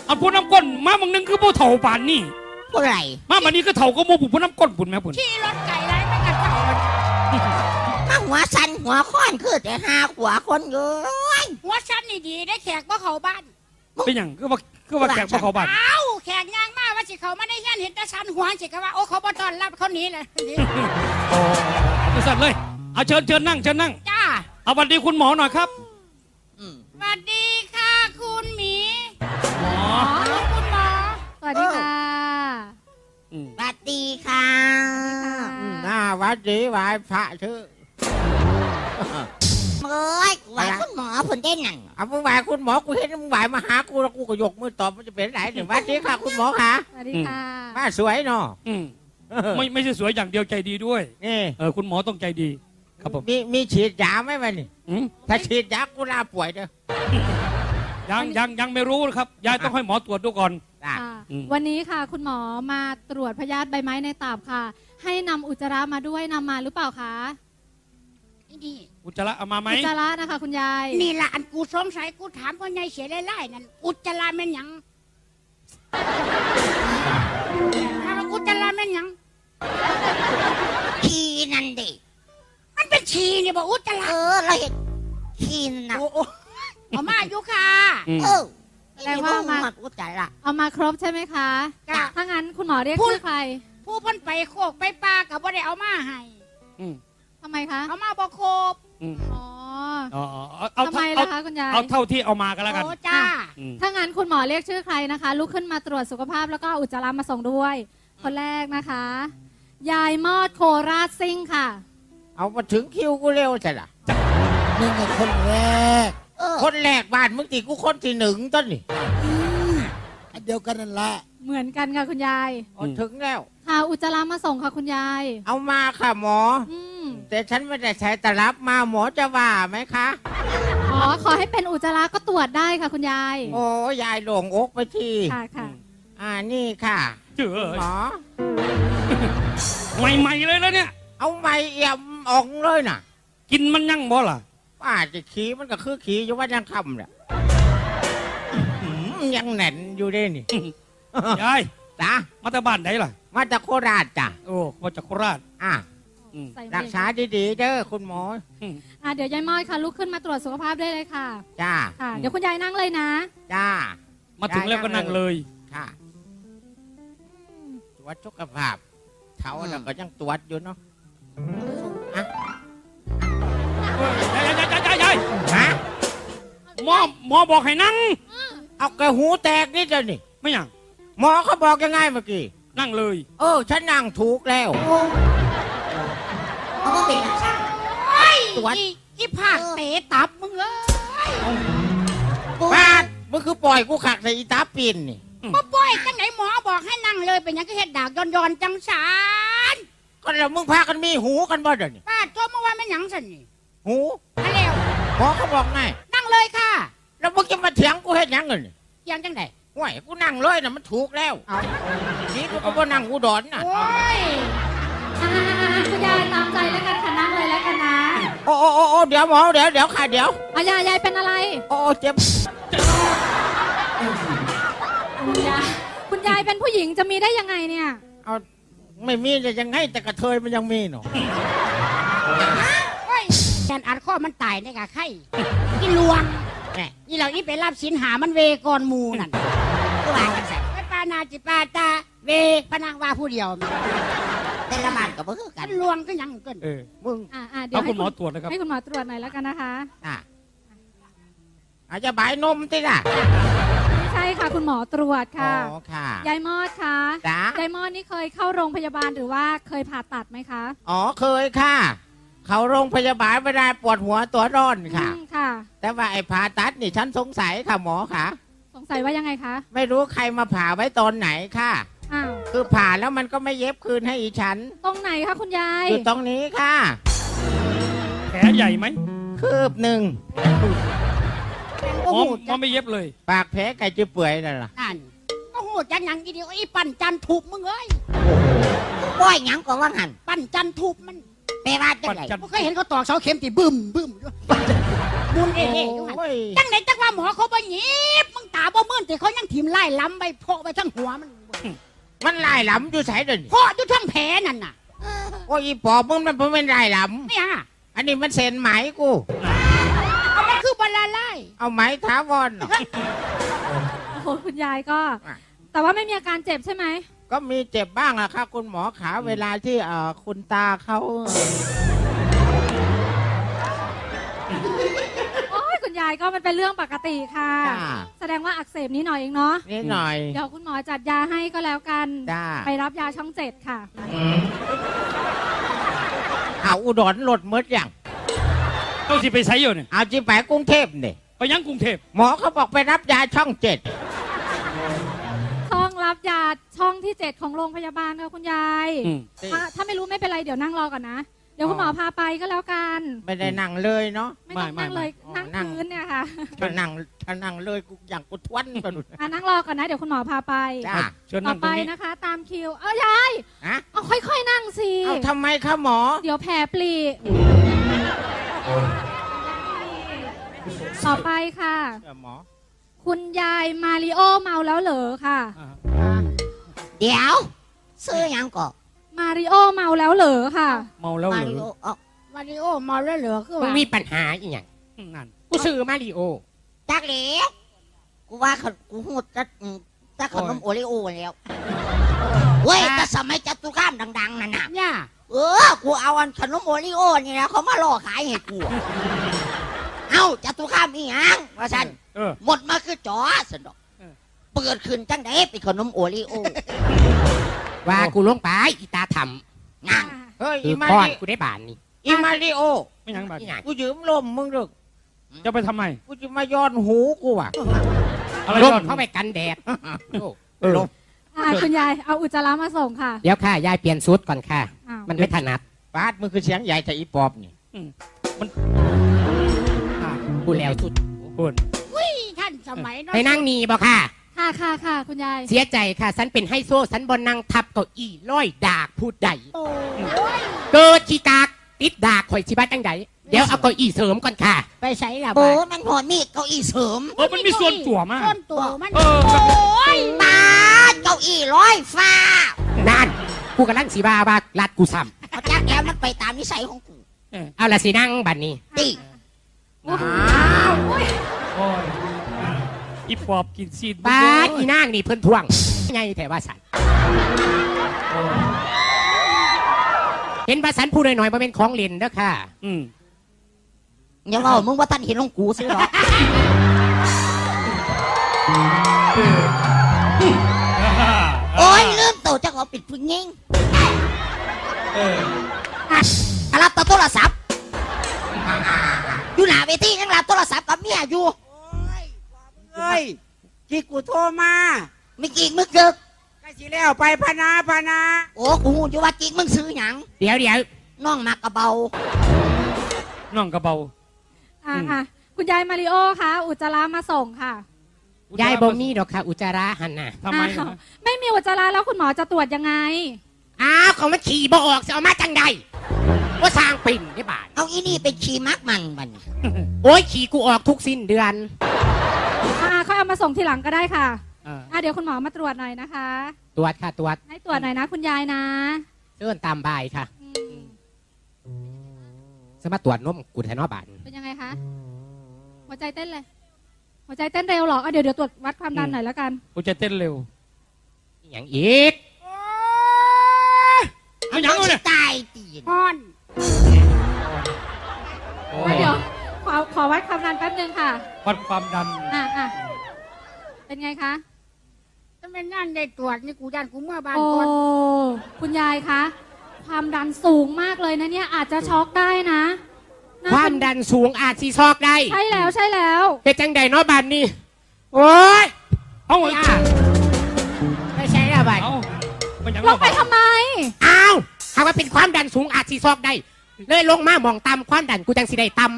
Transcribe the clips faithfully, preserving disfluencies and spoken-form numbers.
เอาผู้น้ำก้นมาบางนึงคือผู้เถ่าป่านนี่ผู้ไรมาบันนี้ก็เถ่าก็โมผู้ผู้น้ำก้นปุ่นแม่ปุ่นขี่รถไก่ไรไม่กระเจ้ามาหัวสันหัวค้อนคือแต่หาหัวคนเยอะหัวชั้นนี่ดีได้แขกบ่เข้าบ้านเป็นอย่างก็ว่าก็ว่าแขกพวกเขาบ้านเอ้าแขกย่างมาว่าสิเขามาได้เฮียนเห็นแต่ชั้นหัวสิเขาว่าโอ้เขาบ่ต้อนรับเขาหนีเลยโอ้เอาสั่นเลยเอาเชิญเชิญนั่งเชิญนั่งจ้าเอาสวัสดีคุณหมอหน่อยครับอืมสวัสดีค่ะคุณหมีหมออ๋อคุณหมอสวัสดีค่ะอืมสวัสดีค่ะหน้าวัดดีไหวพระชื่อเอ้ยว่าคุณหมอผลได้หนังเอามึงไหวคุณหมอกูเห็นมึงไหวมาหากูแล้วกูก็ยกมือตอบมันจะเป็นไหนหนึ่งวัดดีค่ะคุณหมอคะสวัสดีค่ะมาสวยเนาะอืมไม่ไม่ใช่สวยอย่างเดียวใจดีด้วยนี่เออคุณหมอต้องใจดี ครับผมมีมีฉีดยาไหมวะนี่อืมถ้าฉีดยากูลาป่วยเด้อยังยังยังไม่รู้นะครับยายต้องให้หมอตรวจดูก่อนจ้ะค่ะอืมวันนี้ค่ะ คุณหมอมาตรวจพยาธิใบไม้ในตับค่ะ ให้นำอุจจาระมาด้วยนำมาหรือเปล่าคะนี่อุจจาระเอามาไหมอุจจาระนะคะ คุณยายนี่ละอันกูสงสัยกูถามพ่อใหญ่เสียไล่ๆนั่นอุจจาระแม่นหยังถามว่าอุจจาระแม่นหยังขี้นั่นดิมันเป็นฉี่นี่บอกอุจจาเอระอเราเห็นขี้นะโอ้โอ้เอามาอยู่ค่ะอืมเออแสดงว่ามาหมดอุจจาระเอามาครบใช่ไหมคะจ้ะถ้างั้นคุณหมอเรียกพูดชื่อใครผู้เพ้นไปโคกไปปลากับว่าได้เอามาให้อืมทำไมคะเอามาบ่โคบอืมอ๋ออ๋อเอาเอาทำไมเอาล่ะคะคุณยายเอาเท่าที่เอามากันแล้วกันโอ้จ้าอืมถ้างั้นคุณหมอเรียกชื่อใครนะคะ ลุกขึ้นมาตรวจสุขภาพแล้วก็อุจจาระมาส่งด้วย คนแรกนะคะ ยายมอดโคราชซิ่งค่ะเอามาถึงคิวกูเร็วใช่ละนี่ไงคนแรกเออคนแรกบ้านมึงตีกูคนที่หนึ่งต้นนี่อันเดียวกันนั่นแหละเหมือนกันค่ะคุณยายเอาถึงแล้วค่ะอุจจาระมาส่งค่ะคุณยายเอามาค่ะหมออืมแต่ฉันไม่ได้ใช้ตลับมาหมอจะว่าไหมคะอ๋อขอให้เป็นอุจจาระก็ตรวจได้ค่ะคุณยายโอ้ยายหลงอกไปทีค่ะค่ะอ่านี่ค่ะเจ๋อหมอใหม่ๆเลยแล้วเนี่ยเอาไม้เอี่ยมออกเลยน่ะกินมันยั่งบ่ล่ะป้าจะขี่มันก็คือขี่อยู่ว่ายังคำเนี่ยหืมยังแหน่นอยู่เด้นี่ยายจ้ะมาจากบ้านไหนล่ะมาจากโคราชจ้ะโอ้มาจากโคราชอ่ะอืมใส่เบรักษาดีๆเด้อคุณหมออืมอ่ะเดี๋ยวยายมอดค่ะลุกขึ้นมาตรวจสุขภาพได้เลยค่ะจ้าค่ะ เดี๋ยวคุณยายนั่งเลยนะจ้ามาถึงแล้วก็นั่งเลยค่ะตรวจสุขภาพเท้าเราก็ยังตรวจอยู่เนาะอ่ะยายยายยายยายยายฮะหมอหมอบอกให้นั่งเอากระหูแตกนี่เจ้านี่ไม่ยังหมอเขาบอกยังไงเมื่อกี้นั่งเลยเออฉันนั่งถูกแล้วเขาก็เป็นตรวจอีอีผากเตะตับมึงเอ้ยป้าดมันคือปล่อยกูขักใส่อีตาปินนี่บ่ป่วยจังไหนหมอบอกให้นั่งเลยเป็นหยังก็เฮ็ดดากย้อนๆจังสารก็แล้วมึงพากันมีหูกันบ่เดี๋ยวนี้ป้าโทษเมื่อวานแม่นหยังสั่นนี่หูมาแล้วหมอเขาบอกไงนั่งเลยค่ะแล้วมึงจะมาเถียงกูเฮ็ดหยังเงินเยังจังไดห่วยกูนั่งเลยนะมันถูกแล้วเอานี่กูก็บ่นั่งกูดอนน่ะโอ้ยอ่าคุณยายตามใจแล้วกันค่ะนั่งเลยแล้วกันนะโอ้โอ้โอ้โอ้เดี๋ยวหมอเดี๋ยวเดี๋ยวค่ะเดี๋ยวอ่ะยายยายเป็นอะไรโอ้โอ้เจ็บคุณยายคุณยายเป็นผู้หญิงจะมีได้ยังไงเนี่ยเอาไม่มีจะยังไงแต่กระเทยมันยังมีเนาะโอ้ยแกนอัดข้อมันตายในกะไข่อีลวงแหมนี่เราอีไปรับสินหามันเวก่อนหมูนั่นผู้ว่าจังสันไปปานาจิปาตาเวพนังว่าผู้เดียวแต่ละบ้านก็บ่คือกักัน นลวงก็ยังเกินเออมึงอ่าอ่าเดี๋ยเอาวคุให้ณหมอตรวจนะครับให้คุณหมอตรวจหน่อยแล้วกันนะคะอ่ะอาจจะบายนมติล่ะไม่ใช่ค่ะคุณหมอตรวจค่ะอ๋อค่ะยายมอดคะจ้ายายมอดนี่เคยเข้าโรงพยาบาลหรือว่าเคยผ่าตัดไหมคะอ๋อเคยค่ะ เขาโรงพยาบาลเวลาปวดหัวตัวร้อนค่ะอืมค่ะแต่ว่าไอ้ผ่าตัดนี่ฉันสงสัยค่ะหมอค่ะสงสัยว่ายังไงคะไม่รู้ใครมาผ่าไว้ตอนไหนค่ะอ้าวคือผ่าแล้วมันก็ไม่เย็บคืนให้อีฉันตรงไหนคะคุณยายอยู่ตรงนี้ค่ะแผลใหญ่ไหมคืบหนึ่งหมอหมอไม่เย็บเลยปากแผลไก่จะเปื่อยนั่นล่ะนั่นก็หูจังหยังอีเดียวอีปั่นจันทุบมึงเอ้ยป้อยหยังก็ว่าหันปั่นจันทุบมันปไปว่าจังไดจันบ่เคยเห็นเขาตอกเสาเข็มติบึ้มบึ้มอยู่บุญเอ๋ๆอยู่หั่นโอ้ยจังไหนจังว่าหมอเขาบ่หยิบมึงตาบ่มื่นแต่เขายังถิ่มไล่ล้ำไปโพะไปทั้งหัวมันมันลายหลำอยู่ไสเดินโพะอยู่ทั้งแผลนั่นน่ะโอ้ยอีปอบมึงมันบ่เป็นลายหลเนี่ยำอันนี้มันเซ็นไหมกูเอามันคือบลาไล่เอาไหมถาวรเหรอโอ้โหคุณยายก็อ่ะแต่ว่าไม่มีอาการเจ็บใช่ไหมก็มีเจ็บบ้างอะค่ะคุณหมอขาเวลาที่เอ่อคุณตาเขาโอ้ยคุณยายก็มันเป็นเรื่องปกติค่ะจ้าแสดงว่าอักเสบนิดหน่อยเองเนาะนิดหน่อยเดี๋ยวคุณหมอจัดยาให้ก็แล้วกันจ้าไปรับยาช่องเจ็ดค่ะเอาอุดรหลดมดอย่างต้องสิไปไสอยู่เนี่ยเอาจีไปกรุงเทพเนี่ยไปยังกรุงเทพหมอเขาบอกไปรับยาช่องเจ็ดช่องรับยาช่องที่เจ็ดของโรงพยาบาลค่ะคุณยายอืมถ้าถ้าไม่รู้ไม่เป็นไรเดี๋ยวนั่งรอก่อนนะ เดี๋ยวคุณหมอพาไปก็แล้วกันไม่ได้นั่งเลยเนาะไม่ต้องนั่งเลยไม่นั่งไม่พื้นเนี่ยค่ะถ้านั่งถ้านั่งเลยกูอย่างกูทวนไปหมดอ่ะนั่งรอก่อนนะ เดี๋ยวคุณหมอพาไปจ้าเชิญต่นั่องตไปรงนี้นะคะ ตามคิว เอายายฮะเอาค่อยๆนั่งสิเอาทำไมคะหมอเดี๋ยวแผลปลีต่อไปค่ะเออหมอคุณยายมาริโอเมาแล้วเหรอค่ะอ่าเดี๋ยวซื้อหยังก่อนมาริโอเมาแล้วเหรอค่ะเมาแล้วเหมารืริอโอเอามาริโอมาแล้วเหลือคือมึงว่ามีปัญหาอีหยังนั่นกูซื้อมาริโอจักเหลวกูว่าเขากูหูจะอืมจะขนมโอริโอแล้วเว้ยแต่สมัยจตุคามดังๆนั่นน่ะเนี่ยเออ กูเอาอันขนมโอริโอนี่นะเขามาล่อขายให้กู เอาจตุคามอีหยังว่าฉันเออหมดมาคือจอสนดอกเออเปิดขึ้นจังไดเป็นขนมโอริโอว่ากูลงไปอีตาทนั่งเฮ้ยำคือีอมาก้อนริกูได้บานนี่อีมาริโอไม่ยังบัดนี่ไงกูยืมลมมึงดึกจะไปทำไมกูจะมาย้อนหูกูอ่ะอะไรลมก่อนเข้าไปกันแดดโอ้เออลมอ่ะคุณยายเอาอุจจาระมาส่งค่ะเดี๋ยวค่ะ ยายเปลี่ยนชุดก่อนค่ะอ้าวมันไม่ถนัดปาดมึงคือเสียงใหญ่แต่อีปอบนี่กูแล้วชุดเพิ่นอุ้ยท่านสมัยเนาะไปนั่งนี่บ่ค่ะค่ะค่ะค่ะคุณยายเสียใจค่ะ ฉันเป็นไฮโซฉันบนนั่งทับเก้าอี้ร้อยดากพูดใดโอ้ยเกิดขี้กากติดดากข่อยชิบ้าจังใดเดี๋ยวเอาเก้าอี้เสริมก่อนค่ะไปใส่ละโอ้บาดมันพอมีเก้าอี้เสริมเออมันมีส่วนตัวมากส่วนตัวมันเออโอ้ยปาดเก้าอี้ร้อยฟ้านั่นกูกำลังสีบาว่าลัดกูซ้เอาจักแล้วมันไปตามนิสัยของกูำเอาละสินั่งบัดนี้ดิโอ้โหโอ้ยอีปอบกินซีนป้าดอีนางนี่เพิ่นทวงไงแต่ว่าสันเห็นว่าสันพูดหน่อยๆมาเป็นของเล่นเด้อค่ะอืมอย่าเล่ามึงว่าท่านเห็นของกูสิหรอกโอ้ยลืมตัวจะขอปิดพึ่งยิงเอออะรับโทรศัพท์อยู่หน้าเวทียังรับโทรศัพท์กับเมียอยู่เอ้ยที่กูโทรมาไม่กิ่งมึงเกิกก็สิแล้วไปพนาพนาโอ้กูหูอยู่ว่ากิ่งมึงซื้อหยังเดี๋ยวเดี๋ยวน้องมากระเบาน้องกระเบาอ่ะอ่ะคุณยายมาริโอคะอุจจาระมาส่งค่ะยายบ่มีดอกค่ะ อุจจาระหันน่ะทำไมอ้าวนะไม่มีอุจจาระแล้วคุณหมอจะตรวจยังไงอ้าวของมันขี่บ่ออกจะเอามาจังใดว่าสร้างปิ่นได้บาทเอาอีนี่เป็นชีมักมันมันโอ้ยขี่กูออกทุกสิ้นเดือนอ่าค่อยเอามาส่งทีหลังก็ได้ค่ะอ่าอ่ะเดี๋ยวคุณหมอมาตรวจหน่อยนะคะตรวจค่ะตรวจให้ตรวจหน่อยนะคุณยายนะเดินตามบายค่ะอืมจะมาตรวจนมกูแทนอบานเป็นยังไงคะ หัวใจเต้นเลย หัวใจเต้นเร็วเหรออ่ะเดี๋ยวเดี๋ยวตรวจวัดความดันหน่อยแล้วกันกูจะเต้นเร็วอหย่างอีกเอาหยังเอาเนี่ยตายตีนอ่อนโอ้อ่ะเดี๋ยวขอขอวัดความดันแป๊บนึงค่ะวัดความดันอ่ะอ่ะเป็นไงคะถ้าเป็นนั่นได้ตรวจนี่กูยันกูเมื่อบานโอ้ก่อนคุณยายคะ ความดันสูงมากเลยนะเนี่ยอาจจะช็อกได้นะน่ความเป็นดันสูงอาจซีซอกได้ใช่แล้วใช่แล้วเป็นจังใดเนอบานนี่โอ้ยเอาไอ้ย่าไม่ใช่ละบานเอามันยังลงไปทำไมอ้าวหากว่าเป็นความดันสูงอาจซีซอกได้ เลยลงมาหมองตามความดันกูจังสิได้ตำ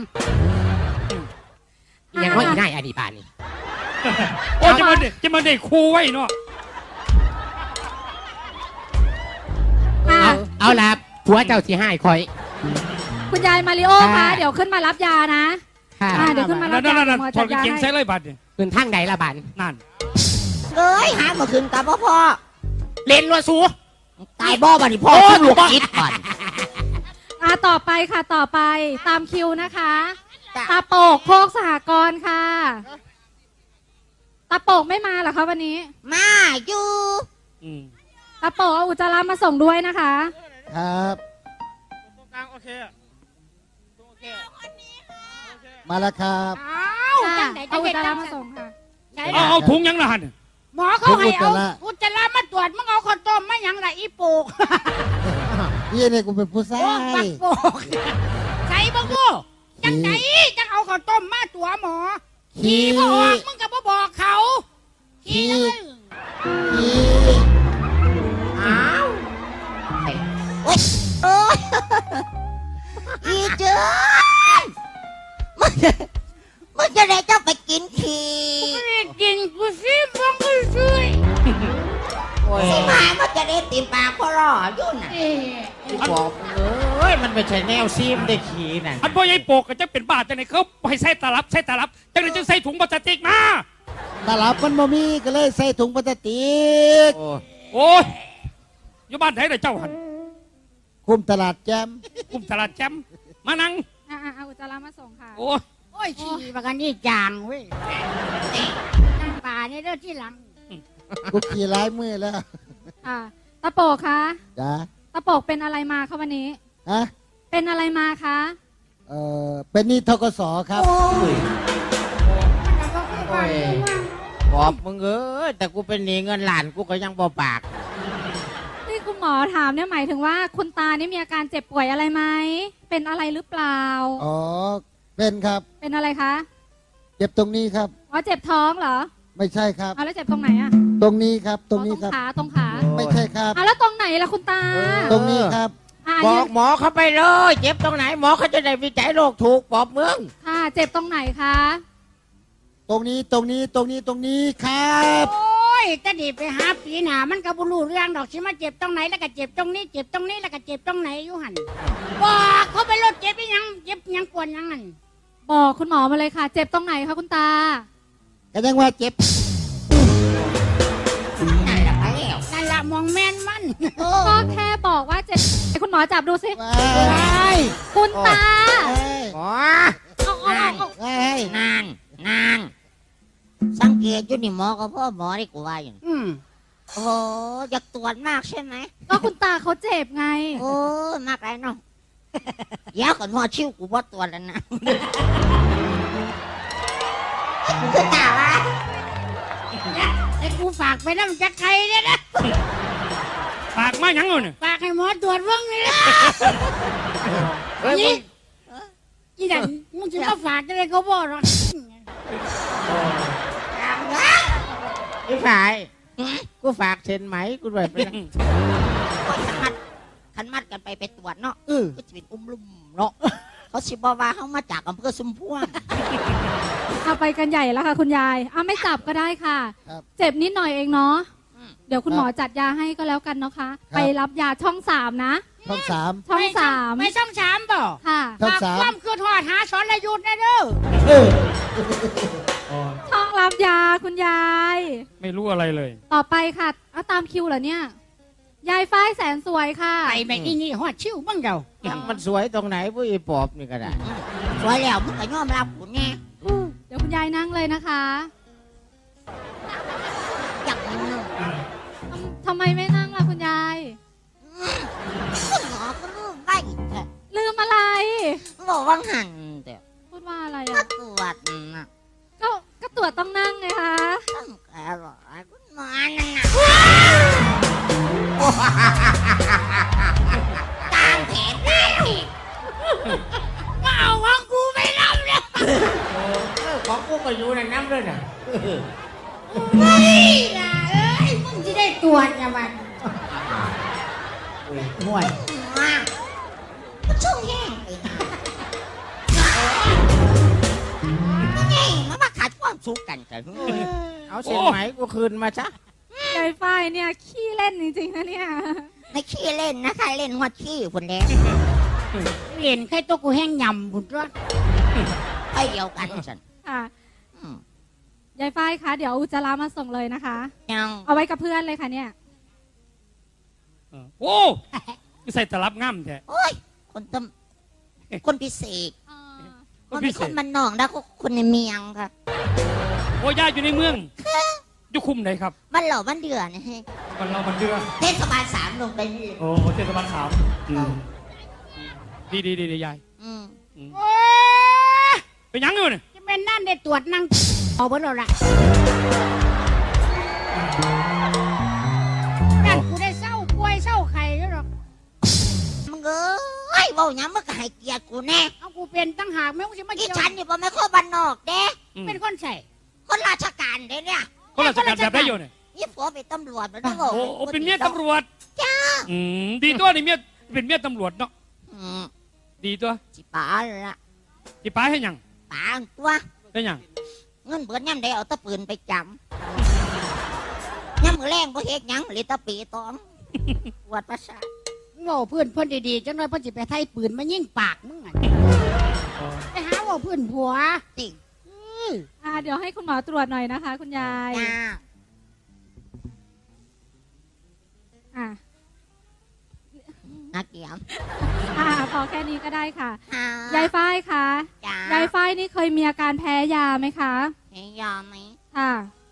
อหย่างว่าอีน่ายอดีบานนี่โอ้จะมาเด็กจะมาเด็กครูไว้เนาะอ่ะเอาเอาละผัวเจ้าสิให้คอยคุณยายมาริโอคะเดี๋ยวขึ้นมารับยานะค่ะอ่าเดี๋ยวขึ้นมารันั่บนยานั่นนั่นหมอถอจัดดกางยาเกงให้ใส่เลยบัดเนี่ยคืนทางไหนละบันนั่นเอ้ยหาเมื่อคืนกับพ่อพ่อเล่นรัวสูตายบ่บัดนี้พ่อขึ้นลูกคิดก่อนอ่าต่อไปค่ะต่อไปตามคิวนะคะจ้ะตาโปกโคกสหกรณ์ค่ะ ตาโปกไม่มาเหรอคะวันนี้มาอยู่อืมตาโปกเอาอุจจาระมาส่งด้วยนะคะครับตรงกลางโอเคโอเคมาแล้วครับอ้าวจังไหนเอาจะอุเห็จนจาจัระงมาซั่นส่งค่ะใช่เอาล่ะเอาถุงยังละหันหมอเขาให้เอาอุจจาระอุจจาระมาตรวจมึงเอาข้าวต้มมาหยังล่ะอีปลูกพี่เนี่ยกูเป็นผู้ชาโอ้บัยกโปกใส่บักโูจังไหนจังเอาข้าวต้มมาตัวหมอขี้ขี่บ่ออกมึงก็บ่บอกเขาขี่ขี้อ้าวโอ๊ยโอ๊ยอีเจ้ยมึงจะมึงจะได้เจ้าไปกินขี้ไม่ได้กินกูสิบังกูช่วยโอ้ยสิมามันจะได้ติมปากพ่อรออยู่น่ะเอ๊ะบอกเอ้ยมันไม่ใช่แนวซีมได้ขี่น่ะอันพ่อใหญ่โปกก็จะเป็นบ้าจังไหนเขาให้ใส่ตลับใส่ตลับจังไหนจึงใส่ถุงพลาสติกมาตลับมันบ่มีก็เลยใส่ถุงพลาสติกโอ้ยอยู่บ้านไหนเลยเจ้าหันคุมตลาดแจมกุมตลาดแจมมานั่งอ่าเอาอุจจาระมาส่งค่ะโอ้ยโอ้ยขี่บักอันนี้จางเว้ยนั่งป่าเนี่ยเด้อที่หลังกูขี่ร้ายมือแล้วอ่าตาโปกคะจ้าตาโปกเป็นอะไรมาคะวันนี้ฮะเป็นอะไรมาคะเอ่อเป็นหนี่ทกสครับโอ้ยบอกมึงเอ้ยแต่กูเป็นหนี้เงินหลานกูก็ยังบ่ปากที่คุณหมอถามเนี่ยหมายถึงว่าคุณตานี่มีอาการเจ็บป่วยอะไรไหมเป็นอะไรหรือเปล่าอ๋อเป็นครับเป็นอะไรคะเจ็บตรงนี้ครับอ๋อเจ็บท้องเหรอไม่ใช่ครับเอาแล้วเจ็บตรงไหนอะตรงนี้ครับ ตรงนี้อ๋อครับขาตรงขาไม่ใช่ครับอ่ะแล้วตรงไหนล่ะคุณตาตรงนี้ครับอ่ะบยือน กหมอเขาไปเลย เจ็บตรงไหนหมอเขาจะได้วิจัยโรคถูกบอกมึงค่ะเจ็บตรงไหนคะตรงนี้ตรงนี้ตรงนี้ตรงนี้ครับโอ้ยจะดีไปหาปีหนามันก็บ่รู้เรื่องดอกสิมาเจ็บตรงไหนแล้วก็เจ็บตรงนี้ เจ็บตรงนี้แล้วก็เจ็บตรงไหนอยู่หันบอกเขาไปรถเจ็บไปยังเจ็บยังปวดยังหันบอกคุณหมอมาเลยค่ะ เจ็บตรงไหนคะคุณตาก็ยังว่าเจ็บนั่นแหละไปแล้วนั่นละมองแม่นมันก็แค่บอกว่าเจ็บให้คุณหมอจับดูสิว้ายคุณตาเอ้ยหมอเอาเอาเอาเอาเอ้ยนางนางสังเกตอยู่นี่หมอกับพ่อหมอที่กูว่าอยู่น่ะอืมโอ้โหอยากตรวจมากใช่ไหมก็คุณตาเขาเจ็บไงโอ้ยมากไรเนาะเดี๋ยวก่อนหมอชิวกูบ่ตรวจแล้วนะคือตาวะไอ้กูฝากไปน้ำจักไข่เนี่ยนะปากมาหยังเอาเนี่ยฝากให้หมอตรวจเบิ่งนี่ละเฮ้ยมึงอีนั่นมึงจะมาฝากอะไรเขาบอกหรอกพี่ฝ่ายกูฝากเซ็นไหมกูด้วยไปนะขันมัดขันมัดกันไปไปตรวจเนาะก็จะเป็นอุ้มลุ่มเนาะเขาสิบอกว่าเขามาจากอำเภอสุมพวงเอาไปกันใหญ่แล้วค่ะ คุณยายเอาไม่จับก็ได้ค่ะครับเจ็บนิดหน่อยเองเนาะอืมเดี๋ยวคุณหมอจัดยาให้ก็แล้วกันเนาะคะ ไปรับยาช่องสามนะช่องสามช่องสามไม่ช่องสามบ่ค่ะช่องฝากสามความคือทอดหาสอนระยุทธ์นะเด้อช่องรับยาคุณยายไม่รู้อะไรเลยต่อไปค่ะเอาตามคิวเหรอเนี่ย ยายฝ้ายแสนสวยค่ะไปแม่งอีนี่หอดชิวบ้างเจ้ายังมันสวยตรงไหนผู้อีปอบนี่ก็ได้สวยแล้วมึงก็ยอมรับกูแน่เดี๋ยวคุณยายนั่งเลยนะคะอยากมึงทำทำไมไม่นั่งล่ะคุณยายคุณหมอก็ลืมได้แต่ลืมอะไรบอกว่าหันแต่พูดว่าอะไรมาอ่ะตรวจน่ะก็ก็ตรวจต้องนั่งไงคะต้องแกบอกไอ้คุณหมอนั่นน่ะตามแผนได้อีกมาเอาของกูไปรับเลยเออของกูก็อยู่ในน้ำด้วยน่ะเฮ้ยล่ะเอ้ยมึงจะได้ตรวจอย่ามันห่วยมาก็ช่วงแย่งไปก็แย่งมามาขาดความสุขกันกันเอาเซ็นไหมกูคืนมาซะยายฝ้ายเนี่ยขี้เล่นจริงๆนะเนี่ยไม่ขี้เล่นนะใครเล่นหัวขี้คนแดงเรียนใครตัวกูแห้งยำบุญรอดไปเดียวกันฉันค่ะอืมยายฝ้ายคะเดี๋ยวอุจจาระมาส่งเลยนะคะยังเอาไว้กับเพื่อนเลยค่ะเนี่ยเออโอ้คือใส่ตลับง่ำแท้โอ้ยคนตำคนพิเศษคมัน นพิเป็นเศคษนมันนอกนะก็คนในเมียงค่ะโอ้ย่าอยู่ในเมืองอยู่คุมไหนครับมันเหล่ามันเดือนะฮะมันเรามันเดือเทศบาลสามลงไปนี่โอ้เทศบาลสามดีดีดีดียายอืมโอ้ยเป็นหยังอยู่เนี่ยจะเป็นนั่นได้ตรวจนั่งเอาเบิดแล้วล่ะนั่นกูได้เศร้าป่วยเศร้าไข้แล้วหรอกมึงเอ้ยเว่าหยังมึงก็ให้เกียรติกูแน่เอากูเป็นตั้งหากแม่งจะมาที่เกี่ยวฉันนี่บ่แม่นคนบ้านนอกเด้อืมเป็นคนใส่คนราชการเด้เนี่ยคนราชการแบบได้อยู่เนี่ยยี่ผัวเป็นตำรวจมันต้องบอกโอ้โอ้เป็นเมียตำรวจจ้าอืมดีตัวนี่เมียเป็นเมียตำรวจเนาะอืมดีตัวสิป๋าละที่ป้าให้หยังป๋าตัวให้หยังเงินเบิดย่ำได้เอาตะปืนไปจำย่ำมือแรงบ่เฮ็ดหยังเลยตะปีตองปวดประสาทโง่เพื่อนเพื่อนดีๆจังเลยเพื่อนสิไปไทยปืนมายิงปากมึงอ่ะไปหาว่าเพื่อนผัวจริงอื้ออ่าเดี๋ยวให้คุณหมอตรวจหน่อยนะคะ คุณยายจ้าอ่านักเกียมอ่าพอแค่นี้ก็ได้ค่ะอ่ายายฝ้ายคะจ้ายายฝ้ายนี่เคยมีอาการแพ้ยาไหมคะให้ยาไหมค่ะ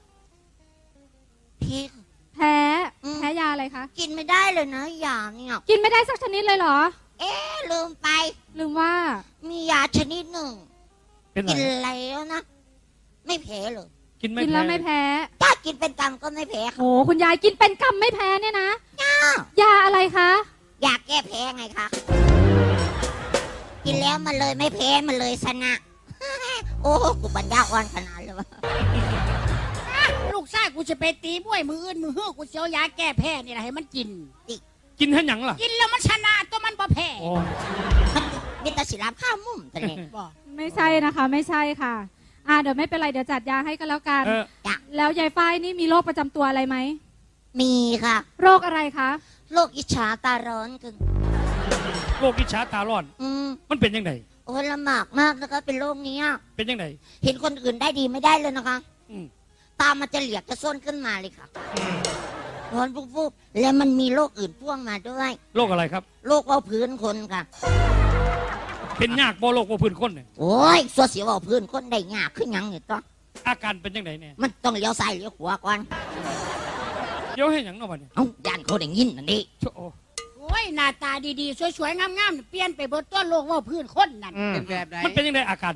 พี่แพ้อืมแพ้ยาอะไรคะกินไม่ได้เลยนะยาเนี่ยกินไม่ได้สักชนิดเลยเหรอเอ๊ะลืมไปลืมว่ามียาชนิดหนึ่งเป็นไรกินแล้วนะ ไม่แพ้เลยกินไม่กินแล้วไม่แพ้ถ้ากินเป็นกรรมก็ไม่แพ้ค่ะโอ้คุณยายกินเป็นกำไม่แพ้เนี่ยนะ ยาอะไรคะอยากแก้แพ้ไงคะ กินแล้วมันเลยไม่แพ้มันเลยชนะ โอ้กูบัญญาอ่อนขนาดเลยวะลูกชายกูจะไปตีบ้วยมืออื่นมือฮื้อกูเสียวยาแก้แพ้นี่แหละให้มันกินกินให้หยังล่ะกินแล้วมันชนะตัวมันบ่แพ้โอ้มีแต่ศิลปข้าวมุมแต่เนี่ยบอกไม่ใช่นะคะ ไม่ใช่ค่ะ อ่าเดี๋ยวไม่เป็นไรเดี๋ยวจัดยาให้ก็แล้วกันเออแล้วยายฝ้ายนี่มีโรคประจำตัวอะไรไหมมีค่ะโรคอะไรคะโรคอิจฉาตาร้อนกึ่งโรคอิจฉาตาร้อนอืมมันเป็นยังไงโอ้ยลำบากมากนะคะเป็นโรคนี้อะเป็นยังไงเห็นคนอื่นได้ดีไม่ได้เลยนะคะอืมตามันจะเหลียกจะส้นขึ้นมาเลยค่ะร้อนปุ๊บๆแล้วมันมีโรคอื่นพ่วงมาด้วยโรคอะไรครับโรคเบาพื้นคนค่ะเป็นยากบ่โรคบ่พื้นคนเนี่ยโอ้ยสัวเสียวเบาพื้นคนได้ยากขึ้นยังเนี่ยต้องอาการเป็นยังไงเนี่ยมันต้องเลี้ยวซ้ายเลี้ยวขวาก่อนเดี๋ยวให้หยังเนาะบัดนี้เอ้าย่านเขาได้ยินนั่นดิโชโอ้โอ้ยหน้าตาดีๆสวยๆงามๆเปลี่ยนไปเบนตัวโลกว่าพื้นคนนั่นเป็นแบบไหนมันเป็นยังไงอาการ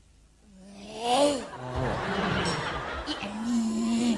อีอันนี้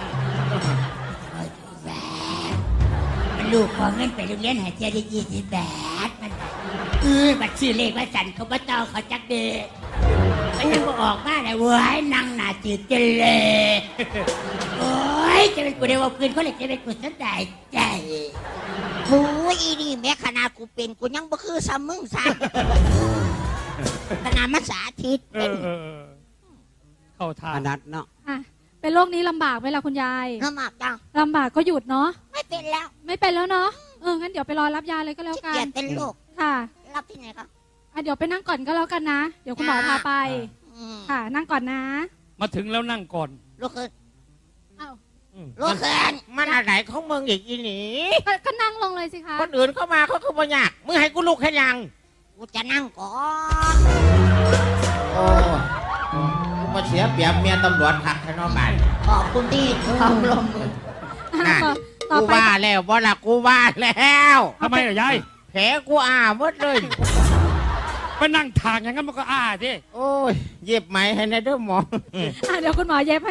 ลูกขอเงินไปโรงเรียนหายใจได้ยี่สิบแปดมันเออบัตรชื่อเลขว่าสันเขาบ่ต้องเขาจักเด็กมันยังบ่ออกมาเลยเว้ยนั่งหน้าจืดกันเลยโอ้ยจะเป็นกูได้ว่าพื้นคนเลยจะเป็นกูสนใจใจโอ้ยอีนี่แม้ขนาดกูเป็นกูยังบ่คือซ้ำมึงซ้ำขนาดมาสาธิตเออเออเออเข้าทาอน นัดเนาะอ่ะเป็นโรคนี้ลำบากไหมล่ะคุณยายลำบากจังลำบากก็หยุดเนาะไม่เป็นแล้วไม่เป็นแล้วเนาะ เออ งั้นเดี๋ยวไปรอรับยาเลยก็แล้วขี้กัเกียนจเป็นโรคค่ะรับที่ไหนครับอ่ะเดี๋ยวไปนั่งก่อนก็แล้วกันนะ เดี๋ยวคุณหมอพาไปอืมค่ะ นั่งก่อนนะมาถึงแล้วนั่งก่อนโรคเกินเอ้าโรคเกินมันอะไรของมึงอีกอีหนีก็ก็นั่งลงเลยสิคะคนอื่นเข้ามาเขาคือบ่ยากมึงให้กูลุกแค่ยังกูจะนั่งก่อนโอ้กูมาเสียเปรียบเมียตำรวจขัดทนอบานขอบคุณที่ความลมมืออ่ะต่อต่อกูไปว่าแล้วบ่ละกูว่าแล้วทำไมล่ะยายแผลกูอาหมดเลยไปนั่งทางอย่างนั้นมันก็อ้าดิโอ้ยเย็บไหมให้ในเด้อหมออ่ะเดี๋ยวคุณหมอเย็บให้